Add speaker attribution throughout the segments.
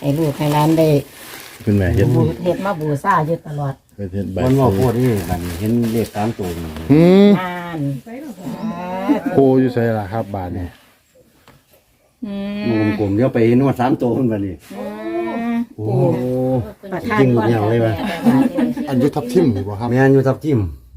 Speaker 1: ให้ลูกให้หลานได้
Speaker 2: คุณแม่เห็น
Speaker 1: เฮ็ดมาบูชาอยู่ตลอด
Speaker 2: เห็นใบ
Speaker 3: มันว่าพูดนี่บัดนี้เห็นเลข3ตัวนี่
Speaker 1: งาน
Speaker 2: โคอยู่ใส่ล่ะครับบาทนี่
Speaker 3: วงกลมเดี๋ยวไปเห็นว่า3ตัวเพิ่นบัดนี้โอ้
Speaker 1: ประทาน
Speaker 3: จริงหมดอย่างเลยว่ะ
Speaker 2: อันยุทับทิมนี่บ่ครับ
Speaker 3: แม่นอยู่ทับทิม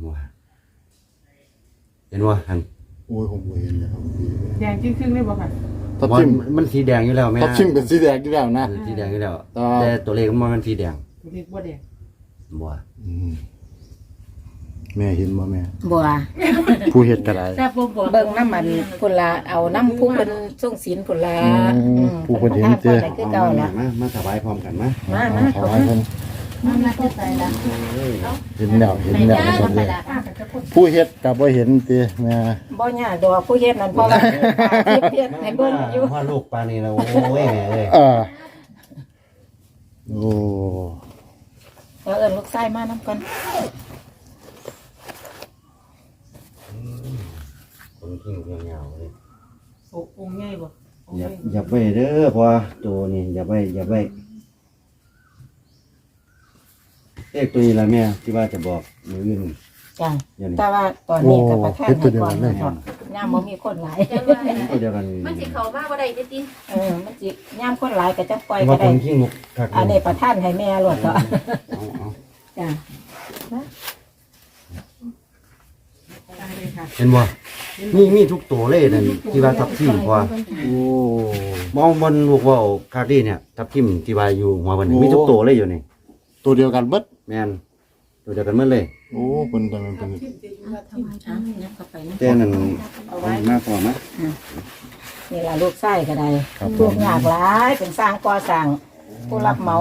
Speaker 3: เห็นว่าหั่น
Speaker 2: โอ้ยผมบ่เห็นเลยครับ
Speaker 4: แดงครึ่งๆเลยบ่ค่ะ
Speaker 2: ทับทิม
Speaker 3: มันสีแดงอยู่แล้วแม่
Speaker 2: ทับทิมเป็นสีแดงอยู่แล้วนะ
Speaker 3: สีแดงอยู่แล้ว
Speaker 2: ต่อ
Speaker 3: แต่ตัวเลขมันสีแดง
Speaker 4: เรียกว่าแดง
Speaker 3: บ่
Speaker 2: อืมแม่เห็นบ่แม่
Speaker 1: บัว
Speaker 2: ผู้เฮ็ดก็ได้
Speaker 1: เบิ่งน้ำมันพุ่นละเอาน้ำพุ่งเป็นส่งศีลพุ่นละ
Speaker 2: ผู้คนเห็นเจ้
Speaker 1: ได้คือเก่าละ
Speaker 3: มาถวายพร้อมกันมา
Speaker 1: มา
Speaker 2: ขอให้เพิ่น
Speaker 1: มาจะใส่ละ
Speaker 2: เห็นแล้วซั่นเลยผู้เฮ็ดก็บ่เห็นติแม่
Speaker 1: บ่ยากดอกผู้เฮ็ดนั่นเพราะว่าเฮ็ดให้เบิ่งอยู่
Speaker 3: ว่าลูกปานนี้แล้วโอ้ยแม่เอ้ย
Speaker 2: โอ้
Speaker 1: เอิ้นลูกชายมานำกัน
Speaker 3: คนที่ยาวๆเลย
Speaker 4: องค์ใหญ่บ่องค์
Speaker 3: อ
Speaker 4: ให
Speaker 3: ย่า
Speaker 4: ญ่
Speaker 3: อย่าไปเด้อพอตัวนี้อย่าไปเลขตัวนี้ละแม่ที่ว่าจะบอกมืออื่น
Speaker 1: จ้ะ
Speaker 3: อย่างนี้
Speaker 1: แต่ว่าตอนนี้ก็ประทานให้ก่อนนะครับยามบ่มีคนหลาย
Speaker 3: ก็เดียวกัน
Speaker 5: มันสิเข้ามาบ่ได้ติ
Speaker 1: มันสิยามคนหลายก็จะปล่อย
Speaker 3: ว่า
Speaker 1: ก็
Speaker 3: ค
Speaker 1: ได้
Speaker 3: นขี้งกคัก
Speaker 1: อันนี้ประทานให้แม่รวดก็
Speaker 3: เอา
Speaker 1: จ้ะ
Speaker 4: ได้เลยค่ะ
Speaker 3: เห็นบ่มีทุกตัวเลยนั่นที่ว่าทับทิมพอ
Speaker 2: โอ้
Speaker 3: มองบนลูกว่าวคาดีเนี่ยทับทิมที่ว่าอยู่หัวมันมีทุกตัวเลยอยู่นี่
Speaker 2: ตัวเดียวกันเบิด
Speaker 3: แม่นตัวเดียวกันหมดเลย
Speaker 2: โอ้เพิ่นแต่มันเป็น
Speaker 1: นับเข้าไปนะ
Speaker 3: แต่นั่นเอามากกว่ามั้ย
Speaker 1: นี่ล่ะลูกไส้ก็ได้ลูกยากหลายเป็นสร้างก่อสร้างผู้รับเหมา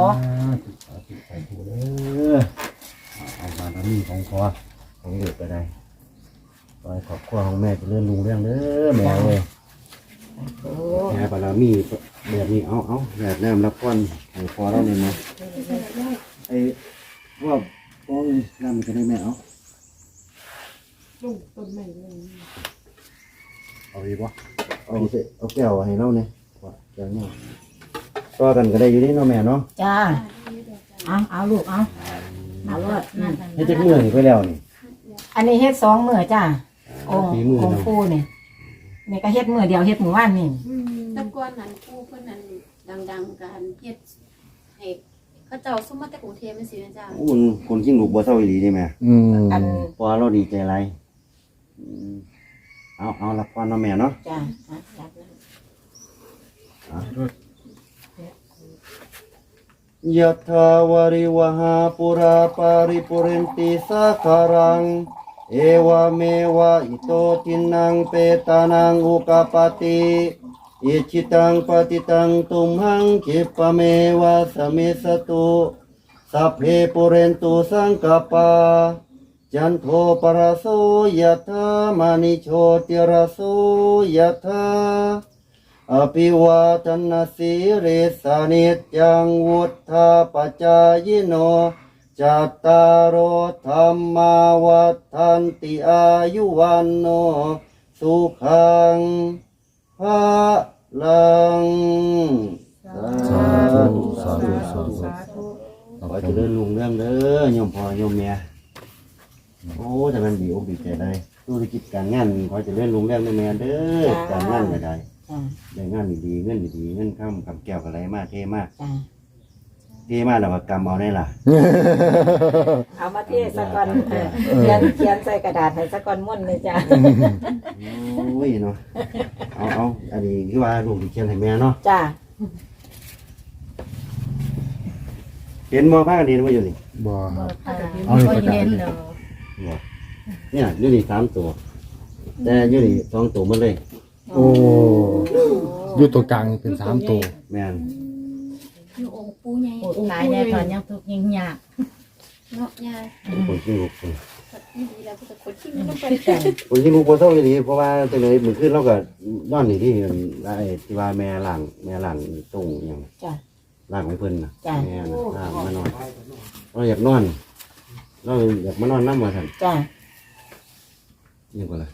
Speaker 3: เอาบารมีของพ่อของเด็กก็ได้ขอให้ครอบครัวของแม่เจะเลื่อนลุงเรื่องเด้อแม่เอ้ย
Speaker 1: โอ้
Speaker 3: แม่บารมีแบบนี้เอาแบบน้ำรับก้อนให้พอแล้วเนี่ยนะไอ้ว่าป้องน้ำมันจะได้แม่เอา
Speaker 4: ลูกต้นไม้เลย
Speaker 2: เอาอีกบ่
Speaker 3: เอาแก้วให้เราเนี่ยว่าแก้วเนี่ยต่อกันก็ได้อยู่นี่เนาะแม่เนาะ
Speaker 1: จ้าเอาลูกเอารอด
Speaker 3: ให้จักมือนี่ไปแล้วนี่
Speaker 1: อันนี้เฮ็ด2มื้อจ้าองค์
Speaker 3: ฝีมือ
Speaker 1: องค์
Speaker 3: เนาะ
Speaker 1: ปู่นี่นี่ก็เฮ็ดมื้อเดียวเฮ็ดมื้อวานนี่
Speaker 5: ๆแต่ก่อนนั้นผู้เพิ่นนั้นดังๆการเฮ็ดให้เขาเจ้าซุ่มมาแต่กรุงเทพจังซี่นะจ้า
Speaker 3: โอ้คนขี้ลูกบ่เศร้าอีหลีนี่แม่
Speaker 1: อัน
Speaker 3: พอเราดีใจไรเอารับก้อนเนาะแม่เนาะ
Speaker 1: จ้า
Speaker 3: ยะถาวาริวหาปุราปาริปุเรนติสาคารังเอวเมวะอิโตทินังเปตานังอุกาปติอิจิตังปฏิตังตุมหังคิปะเมวะสเมสตุสัพเพปุเรนตุสังกปาจันโทปรโสยะถามณิโชติรโสยะถาอภิวาทนาสีริสานิจจังวุฒาปจายโนจัตตารโอธรรมาวัฏันติอายุวันโนสุขังภะลังสาธุสาธุสาธุ
Speaker 4: สาธุ
Speaker 3: ขอเจริญรุ่งเรื่องเด้อโยมพ่อโยมแม่โอ้แต่มันดีอกดีใจได้ธุรกิจการงานขอเจริญรุ่งเรื่องเด้อแม่เด้อการงานก็ได้
Speaker 1: จ้า
Speaker 3: ได้งานดีๆเงินดีๆเงินข้ามกับแก้วกับอะไรมากเท่มาก
Speaker 1: จ้า
Speaker 3: เท่มากแล้วก็กำเอาได้ล่ะ
Speaker 1: เอามาเทสักก่อนเขียนใส่กระดาษให้สักก่อนม่วนเลยจ้า
Speaker 3: โอ้ยเนาะเอาอันนี้คือว่าลูกที่เขียนให้แม่เนาะ
Speaker 1: จ้า
Speaker 3: เห็นมอผ้ากันดีมาอยู่นี่
Speaker 2: บ่
Speaker 1: เอาไปเน้นเนาะ
Speaker 3: บ่เนี่ยอยู่นี่3ตัว แต่อยู่นี่2ตัวหมดเลย
Speaker 2: โอ้อยู่ตัวกลางเป็น3ตัว
Speaker 3: แม่น
Speaker 5: อยู่องค์ปู่ใหญ่
Speaker 1: ตายแน่ตอนยังทุกข์ยังยาก
Speaker 5: เนาะยาย
Speaker 3: คนที่ลูกคน
Speaker 5: นี่ดีแล้วก็คนที่มันต้องไป
Speaker 3: คนที่ลูกบ่เท่าอีหลีเพราะว่าจังได๋มื้อคืนเราก็นอนนี่ที่ไอ้ที่ว่าแม่ล้างตรงหยัง
Speaker 1: จ้า
Speaker 3: ล้างให้เพิ่นน่ะ
Speaker 1: จ้ะ
Speaker 3: แม่น่ะล้างมานอนเราอยากนอน เราอยากมานอนนำว่าซั่น
Speaker 1: จ้า
Speaker 3: นี่ก็ล่ะ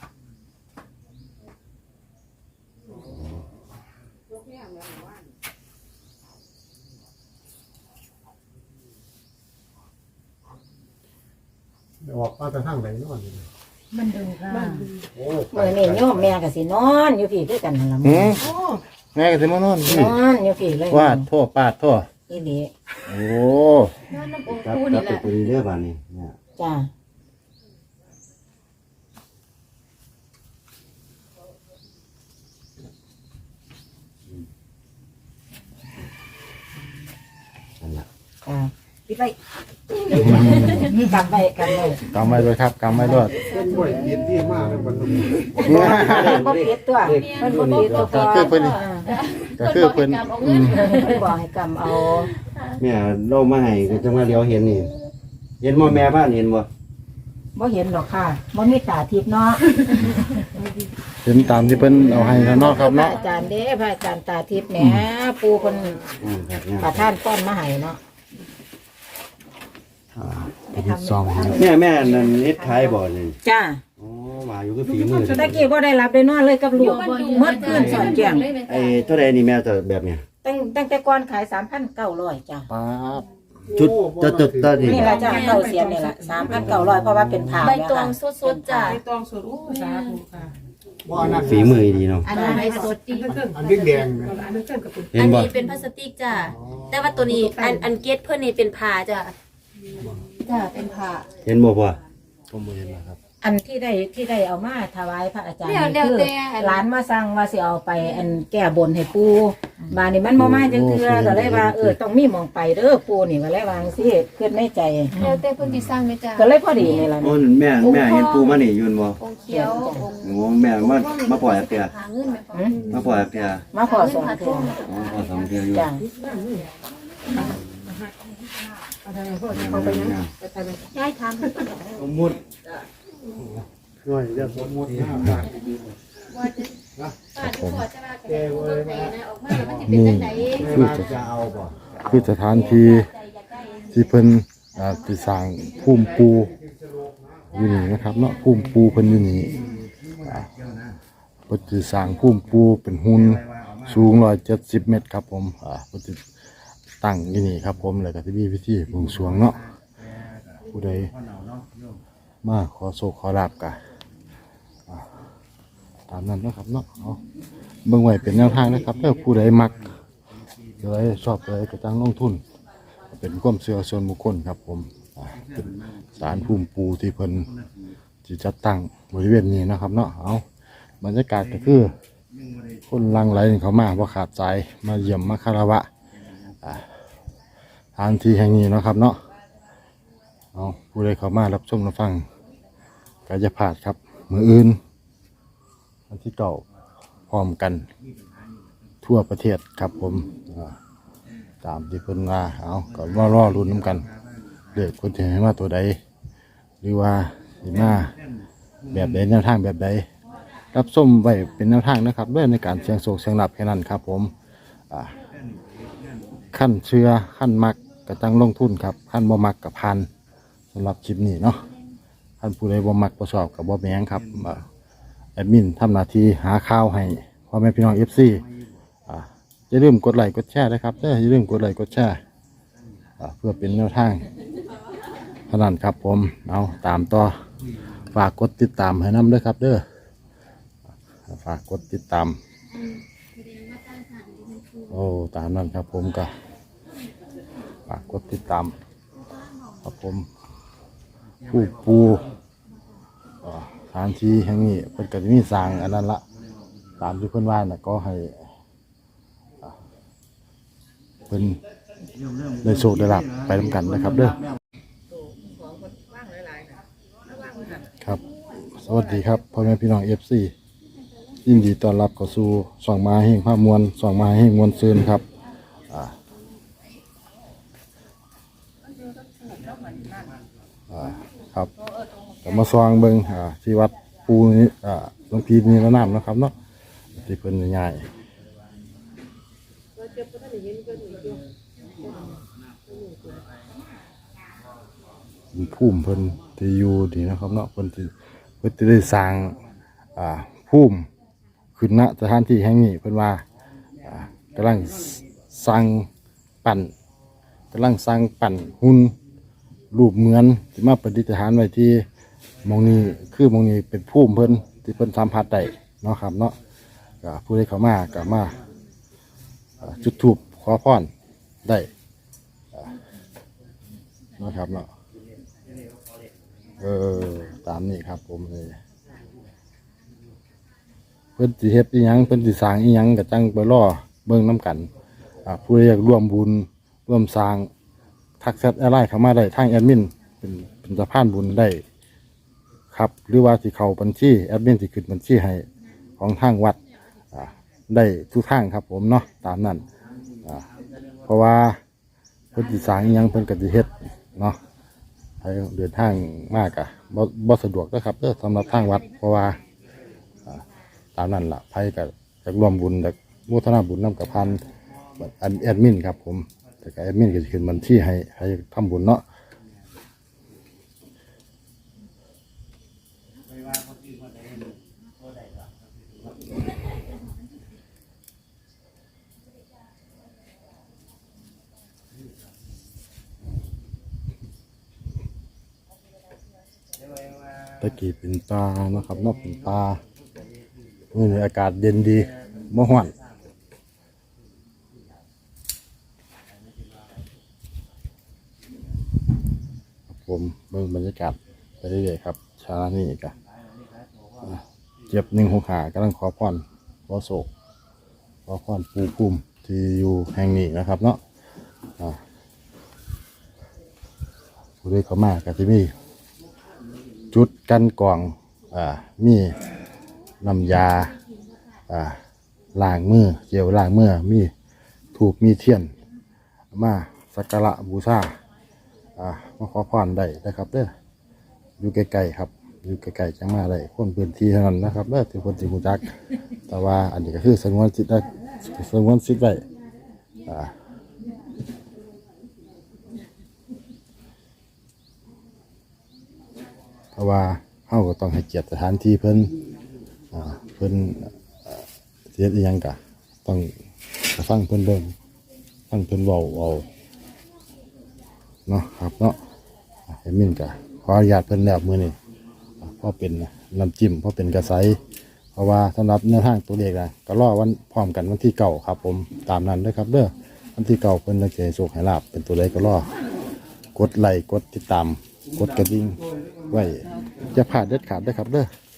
Speaker 2: ออกมาแต่ทางไหนนอนนี่
Speaker 1: มันดึงค่ะ
Speaker 2: โอ้
Speaker 1: เมื่อนี้โยมแม่ก็สินอนอยู่พี่คือกันนั่นล่ะ
Speaker 2: หืม
Speaker 4: โอ้
Speaker 2: แม่ก็สิมานอนพี่
Speaker 1: นอนอยู่พี่เลย
Speaker 2: ว่าโทษปาดโทษ
Speaker 1: อีนี่
Speaker 2: โอ้
Speaker 5: นอนน้ำองค์
Speaker 3: ครับ
Speaker 5: ปู
Speaker 3: ครั
Speaker 5: นี่
Speaker 3: บ
Speaker 5: แหละ
Speaker 3: ตัวนี้เด้อบ้านนี้เนี่ย
Speaker 1: จ้า
Speaker 3: นั่นล่ะ
Speaker 1: จ้าปิดไว้กลับไปกันเลย
Speaker 2: กำไว้ด้วยครับกำไว้ด้วย
Speaker 1: บ่ปิดตัวมันบ่ปิดตัว
Speaker 2: ก็คือเพิ่นก็คือเพิ่น
Speaker 5: เอาเงิน
Speaker 1: เพิ่นบอกให้กำเอา
Speaker 3: แม่เรามาให้ก็จังว่าเดี๋ยวเห็นนี่เห็นบ่แม่บ้านเห็นบ่
Speaker 1: บ่เห็นหรอกค่ะบ่มีตาทิพย์เนาะ
Speaker 2: เห็นตามที่เพิ่นเอาให้แล้วเนาะครับ
Speaker 1: พระ
Speaker 2: เนาะ
Speaker 1: อาจารย์เด้พระอาจารย์ตาทิพย์แหมปูเพิ่น
Speaker 3: ครับเนี่ย
Speaker 1: ประทานป้อนมาให้เนาะ
Speaker 2: ไปทำซองให้
Speaker 3: แม่นั่นเฮ็ดขายบ่นี่
Speaker 1: จ้า
Speaker 3: อ๋อมาอยู่คือฝีมือ
Speaker 1: ตะกี้บ่ได้รับได้นอนเลยกับลูกเมื่อคืนสอนแจง
Speaker 3: ไอ้เท่าใดนี่แม่จะแบบเนี้ย
Speaker 1: ตั้งแต่ก่อนขาย 3,900จ้า
Speaker 2: ป๊าบ
Speaker 3: ชุดจะตอนนี้
Speaker 1: นี่ล่ะจ้าเก่าเสียนนี่ล่ะ 3,900เพราะว่าเป็นผ้า
Speaker 5: ใบ
Speaker 1: แล้ว
Speaker 5: ตอง
Speaker 1: ค่ะ
Speaker 5: สดๆจ้ะ
Speaker 4: ไปตองสดโอ้สาธุค่ะ
Speaker 3: ฝีมือดีเนาะ
Speaker 5: อันนี้ใบสดดี
Speaker 4: อันนี้แดงอันนี้เกินกับเป็น
Speaker 3: เห็
Speaker 5: อั
Speaker 3: น
Speaker 5: น
Speaker 3: บ่
Speaker 5: นี้เป็นพลาสติกจ้ะแต่ว่าตัวนี้อันเกตเพื่อนนี่เป็นผ้าจ้ะจ้ะเป็นผ้า
Speaker 3: เห็นบ่พ่อ
Speaker 2: ผมบ่เห็นนะครับ
Speaker 1: อันที่ได้เอามาถวายพระอาจารย์
Speaker 5: เดี๋ยว
Speaker 1: นี่คือ
Speaker 5: แต่
Speaker 1: ร้านมาสั่งว่าสิเอาไปอันแก้บนให้ปู่บาดนี้มันบ่มาจังเทื่อก็เลยว่าต้องมีหมองไปเด้อปู่นี่ก็เลยว่าจังซี่คิดในใจ
Speaker 5: แล้วแต่เพิ่นสิสร้างไหมจ้ะ
Speaker 1: ก็เลยพอดีนี่ล่ะ
Speaker 3: โอ้
Speaker 1: นี่
Speaker 3: แม่เห็นปูมานี่ยืนบ่
Speaker 5: องค์เขียวองค์
Speaker 3: โอ้แม่มาปล่อยอักเตีย
Speaker 5: หาเงินไหมพ่อ
Speaker 3: มาปล่อยอักเตีย
Speaker 1: มาขอสองเทื่อ
Speaker 3: อ๋อพอสองเตียอยู่
Speaker 1: จ้ะ
Speaker 4: เขาไปยังไปทำไป
Speaker 5: ย้ายทำ
Speaker 3: สมมุติ
Speaker 2: ช่วยจะสมมุติ
Speaker 5: ว่าจะป้าดูพอจะว่าจะปูรถไหนนะออกมาแล้วมันจะเป็นจังได๋
Speaker 2: คือจะเอาบ่คือสถานที่ที่เพิ่นที่สร้างภูมิปูอยู่นี่นะครับเนาะภูมิปูเพิ่นอยู่นี่เพิ่นสิสร้างภูมิปูเป็นหุ่นสูง170 เมตรครับผมเพิ่นสิตั้งอยู่นี่ครับผมแล้วก็สิมีพิธีบวงสรวงเนาะผู้ใดมาขอโชคขอลาภกะตามนั้นเนาะครับเนาะเอาเบิ่งไว้เป็นแนวทางนะครับถ้าผู้ใดมักเลยชอบเลยก็จังลงทุน เป็นความเชื่อส่วนบุคคลครับผมเป็นศาลภูมิปูที่เพิ่นที่จัดตั้งบริเวณนี้นะครับเนาะเอาบรรยากาศก็คือคนหลังไหลเขามาว่าขาดใจมาเยี่ยมมาคารวะสถานที่แห่งนี้เนาะครับเนาะเอาผู้ใดเขามารับชมรับฟังก็จะพลาดครับมืออื่นวันที่เก่าพร้อมกันทั่วประเทศครับผมตามที่เพิ่นว่าเอาก็รอรุ่นน้ำกันเลือกคนที่ให้มาตัวใดหรือว่าสิมาแบบใดแนวทางแบบใดรับส้มไว้เป็นแนวทางนะครับด้วยในการเสียงโศกเสียงหลับแค่นั้นครับผมขั้นเชื่อขั้นมักก็จังลงทุนครับขั้นบ่มักกับพันสำหรับคลิปนี้เนาะขั้นผู้ใดบ่มักบ่ชอบกับบ่แม่งครับแอดมินทำหน้าที่หาข่าวให้พ่อแม่พี่น้อง FC อย่าลืมกดไลค์กดแชร์นะครับอย่าลืมกดไลค์กดแชร์เพื่อเป็นแนวทางเท่านั้นครับผมเอาตามต่อฝากกดติดตามให้น้ำด้วยครับเด้อฝากกดติดตามโอ้ตามนั้นครับผมก็ฝากกดติดตามครับผมผู้ปูสถานที่แห่งนี้เพิ่นก็จะมีสร้างอันนั้นละตามที่เพิ่นว่าน่ะก็ให้เป็นได้โชคได้ลาภไปทำกันนะครับเด้อครับ สวัสดีครับพ่อแม่พี่น้องFC ยินดีต้อนรับเข้าสู่ช่องมาแห่งภาพมวลช่องมาแห่งมวลซืนครับครับก็มาซองเบิ่งที่วัดปูนี้หลวงพี่นี่ละน้ำนะครับเนาะที่เพิ่นง่ายภูมิเพิ่นที่อยู่ดีนะครับเนาะเพิ่นที่ได้สร้างภูมิขึ้นณสถานที่แห่งนี้เพิ่นว่ากำลังสร้างปั่นหุ่นรูปเหมือนที่มาประดิษฐานไว้ที่หมองนี้คือหมองนี้เป็นภูมิเพิ่นที่เพิ่นสัมผัสได้เนาะครับเนาะก็ผู้ใดเข้ามาก็มาจุดธูปขอพรได้เนาะครับเนาะตามนี้ครับผมเลยเพิ่นสิเฮ็ดอีหยังเพิ่นสิสร้างอีหยังก็จังไปรอเบิ่งนํกันผู้ใดอยากร่วมบุญร่วมสร้างทักแชทอะไรเข้ามาได้ทางแอดมินเป็นสะพานบุญได้ครับหรือว่าสิเข้าบัญชีแอดมินสิขึ้นบัญชีให้ของทางวัดได้ทุกทางครับผมเนาะตามนั้นเพราะว่าเพิ่นสิสร้างอีหยังเพิ่นก็สิเฮ็ดเนาะให้เดินทางมากอะบ่สะดวกนะครับสำหรับทางวัดเพราะว่าตามนั้นล่ะไผก็จะร่วมบุญจากโมทนาบุญนำกับพันแอดมินครับผมแต่ก็แอดมินก็จะขึ้นบัญชีให้ทำบุญเนาะตะกี้เป็นปลานะครับนอกเป็นปลานี่อากาศเย็นดีบ่ฮ้อนผมเบิ่งบรรยากาศไปเรื่อยๆครับชานี่กันเจ็บ165กำลังขอพรขอโศกขอพรปูภูมิที่อยู่แห่งนี้นะครับเนาะผู้ใดเข้ามาก็จะมีจุดกันกรองมีน้ำยาล้างมือเจลล้างมือมีถูกมีเทียนมาสักการะบูชามาขอพรได้นะครับเด้ออยู่ใกล้ๆครับอยู่ใกล้ๆจังมาได้คนพื้นที่เท่านั้นนะครับเด้อที่คนที่รู้จักแต่ว่าอันนี้ก็คือสงวนสิทธิ์ได้สงวนสิทธิ์ไว้เพราะว่าเฮาก็ต้องให้เกียรติสถานที่เพิ่นเสียอีหยังกะต้องฟังเพิ่นเบิ่งฟังเพิ่นเว้าเนาะครับเนาะให้มินกะขออนุญาตเพิ่นแล้วมื้อนี้เพราะเป็นน้ำจิ้มเพราะเป็นกระไสเพราะว่าสำหรับแนวทางตัวเลขนะก็รอวันพร้อมกันวันที่9ครับผมตามนั้นเด้อครับเด้อวันที่9เพิ่นจะให้โชคให้ลาภเป็นตัวเลขก็รอกดไลค์กดติดตามกดกระดิ่งไว้อย่าพลาดเด็ดขาดเด้อครับเด้อ